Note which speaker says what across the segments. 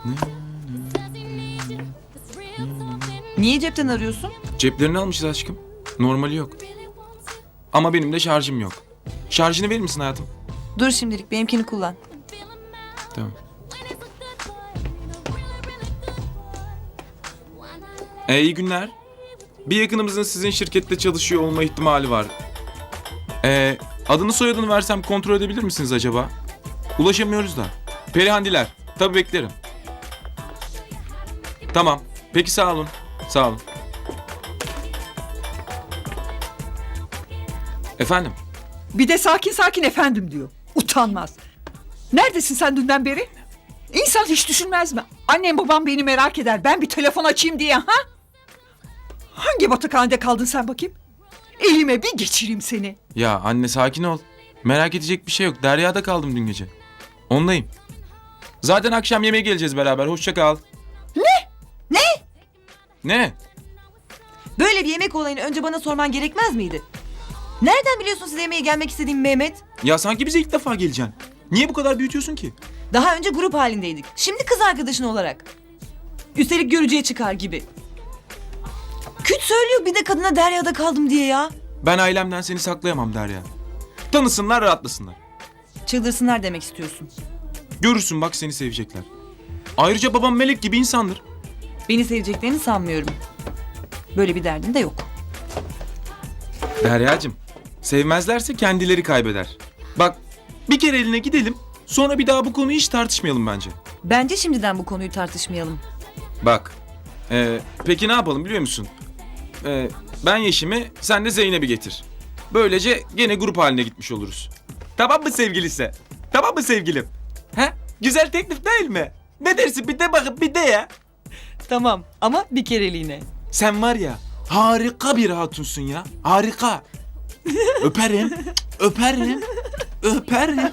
Speaker 1: Niye cepten arıyorsun?
Speaker 2: Ceplerini almışız aşkım. Normali yok. Ama benim de şarjım yok. Şarjını verir misin hayatım?
Speaker 1: Dur şimdilik benimkini kullan.
Speaker 2: Tamam. İyi günler. Bir yakınımızın sizin şirkette çalışıyor olma ihtimali var. Adını soyadını versem kontrol edebilir misiniz acaba? Ulaşamıyoruz da. Perihandiler. Tabii beklerim. Tamam. Peki sağ olun. Sağ olun. Efendim?
Speaker 3: Bir de sakin sakin efendim diyor. Utanmaz. Neredesin sen dünden beri? İnsan hiç düşünmez mi? Annem babam beni merak eder. Ben bir telefon açayım diye ha? Hangi batıkhanede kaldın sen bakayım? Elime bir geçireyim seni.
Speaker 2: Ya anne sakin ol. Merak edecek bir şey yok. Derya'da kaldım dün gece. Ondayım. Zaten akşam yemeğe geleceğiz beraber. Hoşça kal.
Speaker 1: Ne?
Speaker 2: Ne?
Speaker 1: Böyle bir yemek olayını önce bana sorman gerekmez miydi? Nereden biliyorsun size yemeğe gelmek istediğimi Mehmet?
Speaker 2: Ya sanki bize ilk defa geleceksin. Niye bu kadar büyütüyorsun ki?
Speaker 1: Daha önce grup halindeydik. Şimdi kız arkadaşın olarak. Üstelik görücüye çıkar gibi. Küt söylüyor bir de kadına Derya'da kaldım diye ya.
Speaker 2: Ben ailemden seni saklayamam Derya. Tanısınlar, rahatlasınlar.
Speaker 1: Çıldırsınlar demek istiyorsun.
Speaker 2: Görürsün bak seni sevecekler. Ayrıca babam melek gibi insandır.
Speaker 1: Beni seveceklerini sanmıyorum. Böyle bir derdin de yok.
Speaker 2: Deryacığım, sevmezlerse kendileri kaybeder. Bak, bir kere eline gidelim, sonra bir daha bu konuyu hiç tartışmayalım bence.
Speaker 1: Bence şimdiden bu konuyu tartışmayalım.
Speaker 2: Bak, peki ne yapalım biliyor musun? Ben Yeşim'i, sen de Zeynep'i getir. Böylece gene grup haline gitmiş oluruz. Tamam mı sevgilisi? Tamam mı sevgilim? He? Güzel teklif değil mi? Ne dersin bir de bakıp bir de ya.
Speaker 1: Tamam ama bir kereliğine.
Speaker 2: Sen var ya harika bir hatunsun ya. Harika. Öperim. Öperim. Öperim.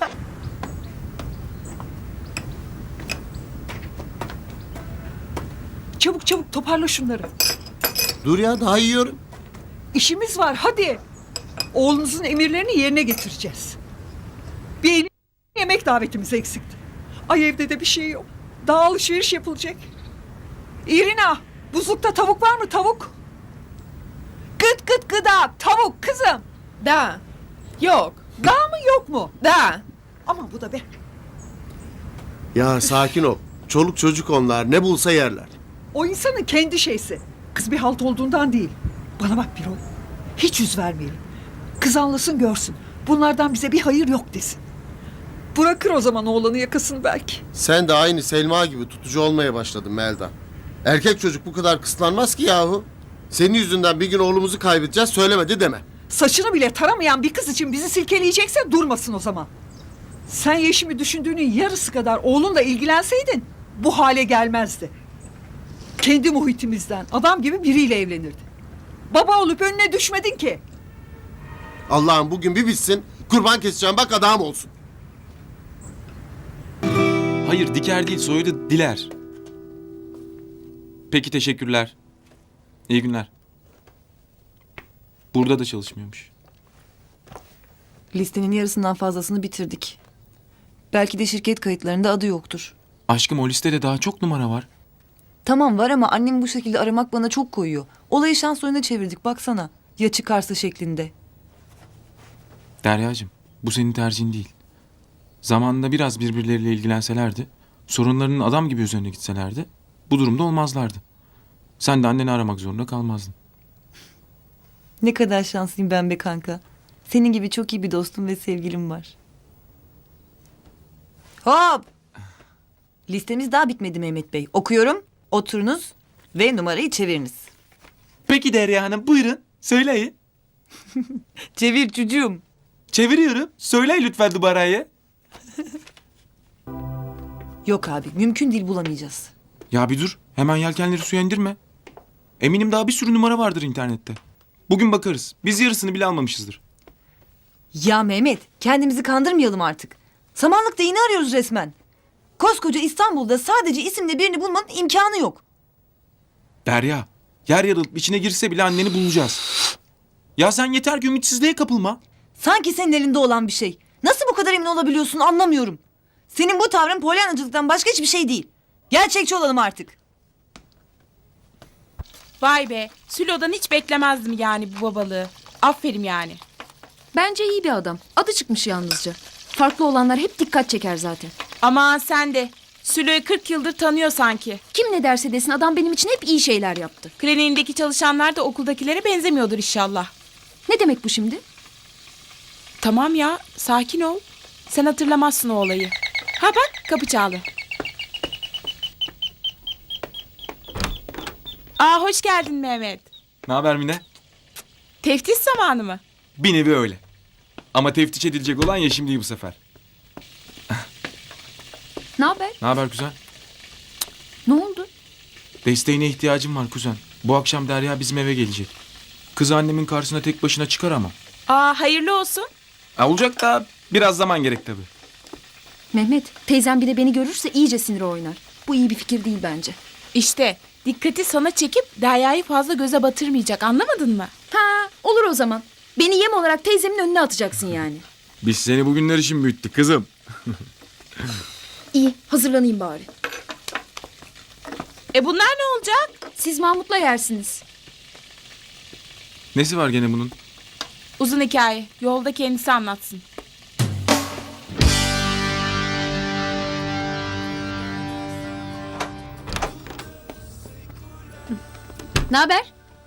Speaker 3: Çabuk çabuk toparla şunları.
Speaker 4: Dur ya daha yiyorum.
Speaker 3: İşimiz var hadi. Oğlunuzun emirlerini yerine getireceğiz. Bir yemek davetimiz eksikti. Ay evde de bir şey yok. Daha alışveriş yapılacak. İrina, buzlukta tavuk var mı tavuk? Gıt gıt gıda tavuk kızım.
Speaker 5: Da. Yok.
Speaker 3: Daha mı yok mu?
Speaker 5: Da.
Speaker 3: Aman bu da be.
Speaker 4: Ya sakin ol. Çoluk çocuk onlar ne bulsa yerler.
Speaker 3: O insanın kendi şeysi. Kız bir halt olduğundan değil. Bana bak Birol. Hiç yüz vermeyelim. Kız anlasın görsün. Bunlardan bize bir hayır yok desin. Bırakır o zaman oğlanı yakasını belki.
Speaker 4: Sen de aynı Selma gibi tutucu olmaya başladın Melda. Erkek çocuk bu kadar kıslanmaz ki yahu. Senin yüzünden bir gün oğlumuzu kaybedeceğiz söylemedi deme.
Speaker 3: Saçını bile taramayan bir kız için bizi silkeleyecekse durmasın o zaman. Sen Yeşim'i düşündüğünün yarısı kadar oğlunla ilgilenseydin bu hale gelmezdi. Kendi muhitimizden adam gibi biriyle evlenirdi. Baba olup önüne düşmedin ki.
Speaker 4: Allah'ım bugün bir bitsin kurban keseceğim bak adam olsun.
Speaker 2: Hayır diker değil soyadı Diler. Peki teşekkürler. İyi günler. Burada da çalışmıyormuş.
Speaker 1: Listenin yarısından fazlasını bitirdik. Belki de şirket kayıtlarında adı yoktur.
Speaker 2: Aşkım o listede daha çok numara var.
Speaker 1: Tamam var ama annem bu şekilde aramak bana çok koyuyor. Olayı şans oyununa çevirdik baksana. Ya çıkarsa şeklinde.
Speaker 2: Deryacığım bu senin tercihin değil. Zamanında biraz birbirleriyle ilgilenselerdi, sorunlarının adam gibi üzerine gitselerdi, bu durumda olmazlardı. Sen de anneni aramak zorunda kalmazdın.
Speaker 1: Ne kadar şanslıyım ben be kanka. Senin gibi çok iyi bir dostum ve sevgilim var. Hop! Listemiz daha bitmedi Mehmet Bey. Okuyorum, oturunuz ve numarayı çeviriniz.
Speaker 2: Peki Derya Hanım buyurun söyleyin.
Speaker 1: Çevir çocuğum.
Speaker 2: Çeviriyorum. Söyleyin lütfen numarayı.
Speaker 1: Yok abi, mümkün değil bulamayacağız.
Speaker 2: Ya bir dur. Hemen yelkenleri suya indirme. Eminim daha bir sürü numara vardır internette. Bugün bakarız. Biz yarısını bile almamışızdır.
Speaker 1: Ya Mehmet, kendimizi kandırmayalım artık. Samanlıkta iğne arıyoruz resmen. Koskoca İstanbul'da sadece isimle birini bulmanın imkanı yok.
Speaker 2: Derya, yer yarılıp içine girse bile anneni bulacağız. Ya sen yeter ki ümitsizliğe kapılma.
Speaker 1: Sanki senin elinde olan bir şey. Nasıl bu kadar emin olabiliyorsun anlamıyorum. Senin bu tavrın polyanacılıktan başka hiçbir şey değil. Gerçekçi olalım artık.
Speaker 5: Vay be. Sülo'dan hiç beklemezdim yani bu babalığı. Aferin yani.
Speaker 6: Bence iyi bir adam. Adı çıkmış yalnızca. Farklı olanlar hep dikkat çeker zaten.
Speaker 5: Aman sen de. Sülo'yu 40 yıldır tanıyor sanki.
Speaker 6: Kim ne derse desin adam benim için hep iyi şeyler yaptı.
Speaker 5: Kliniğindeki çalışanlar da okuldakilere benzemiyordur inşallah.
Speaker 6: Ne demek bu şimdi?
Speaker 5: Tamam ya, sakin ol. Sen hatırlamazsın o olayı. Ha bak, kapı çaldı. Aa, hoş geldin Mehmet.
Speaker 2: Ne haber Mine?
Speaker 5: Teftiş zamanı mı?
Speaker 2: Bir nevi öyle. Ama teftiş edilecek olan Yeşim değil bu sefer.
Speaker 6: Ne haber?
Speaker 2: Ne haber kuzen?
Speaker 6: Ne oldu?
Speaker 2: Desteğine ihtiyacım var kuzen. Bu akşam Derya bizim eve gelecek. Kız annemin karşısına tek başına çıkar ama.
Speaker 5: Aa, hayırlı olsun.
Speaker 2: Olacak da biraz zaman gerek tabii.
Speaker 6: Mehmet, teyzem bir de beni görürse iyice siniri oynar. Bu iyi bir fikir değil bence.
Speaker 5: İşte dikkati sana çekip Derya'yı fazla göze batırmayacak, anlamadın mı?
Speaker 6: Ha, olur o zaman. Beni yem olarak teyzemin önüne atacaksın yani.
Speaker 2: Biz seni bugünler için büyüttük kızım.
Speaker 6: İyi, hazırlanayım bari.
Speaker 5: Bunlar ne olacak?
Speaker 6: Siz Mahmut'la yersiniz.
Speaker 2: Nesi var gene bunun?
Speaker 5: Uzun hikaye. Yolda kendisi anlatsın.
Speaker 7: Ne haber?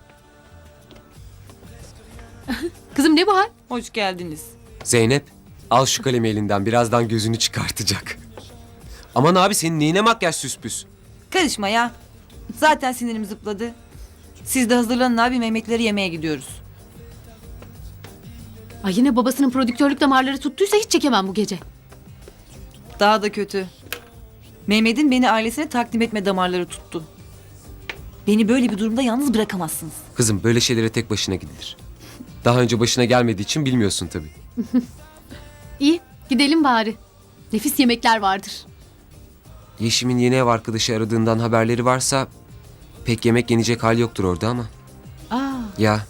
Speaker 7: Kızım ne bu hal?
Speaker 1: Hoş geldiniz.
Speaker 8: Zeynep, al şu kalemi elinden. Birazdan gözünü çıkartacak. Aman abi senin neyine makyaj süspüs?
Speaker 1: Karışma ya. Zaten sinirim zıpladı. Siz de hazırlanın abi, Mehmetleri yemeğe gidiyoruz.
Speaker 7: Ay yine babasının prodüktörlük damarları tuttuysa hiç çekemem bu gece.
Speaker 1: Daha da kötü. Mehmet'in beni ailesine takdim etme damarları tuttu. Beni böyle bir durumda yalnız bırakamazsınız.
Speaker 8: Kızım böyle şeylere tek başına gidilir. Daha önce başına gelmediği için bilmiyorsun tabii.
Speaker 7: İyi gidelim bari. Nefis yemekler vardır.
Speaker 8: Yeşim'in yeni ev arkadaşı aradığından haberleri varsa pek yemek yenecek hal yoktur orada ama.
Speaker 7: Aa,
Speaker 8: Ya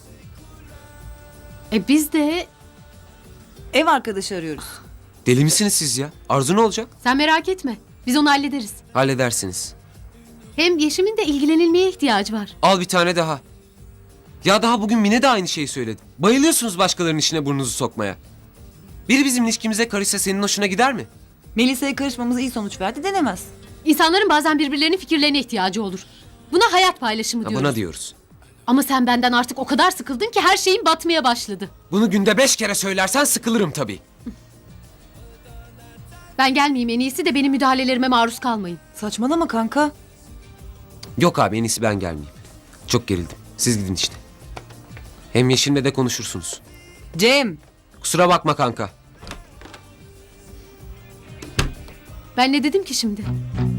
Speaker 7: biz de
Speaker 1: Ev arkadaşı arıyoruz.
Speaker 8: deli misiniz siz ya? Arzu ne olacak?
Speaker 7: sen merak etme. Biz onu hallederiz.
Speaker 8: Halledersiniz.
Speaker 7: Hem Yeşim'in de ilgilenilmeye ihtiyacı var.
Speaker 8: Al bir tane daha. Ya daha bugün Mine de aynı şeyi söyledi. Bayılıyorsunuz başkalarının işine burnunuzu sokmaya. Biri bizim ilişkimize karışsa senin hoşuna gider mi?
Speaker 1: Melisa'ya karışmamız iyi sonuç verdi denemez.
Speaker 7: İnsanların bazen birbirlerinin fikirlerine ihtiyacı olur. Buna hayat paylaşımı
Speaker 8: Ha,
Speaker 7: diyoruz.
Speaker 8: bana diyoruz.
Speaker 7: Ama sen benden artık o kadar sıkıldın ki her şeyin batmaya başladı.
Speaker 8: Bunu günde 5 kere söylersen sıkılırım tabii.
Speaker 7: Ben gelmeyeyim, en iyisi de benim müdahalelerime maruz kalmayın.
Speaker 1: Saçmalama kanka.
Speaker 8: Yok abi en iyisi ben gelmeyeyim. Çok gerildim. Siz gidin işte. Hem Yeşim'le de konuşursunuz.
Speaker 1: Cem.
Speaker 8: Kusura bakma kanka.
Speaker 7: Ben ne dedim ki şimdi?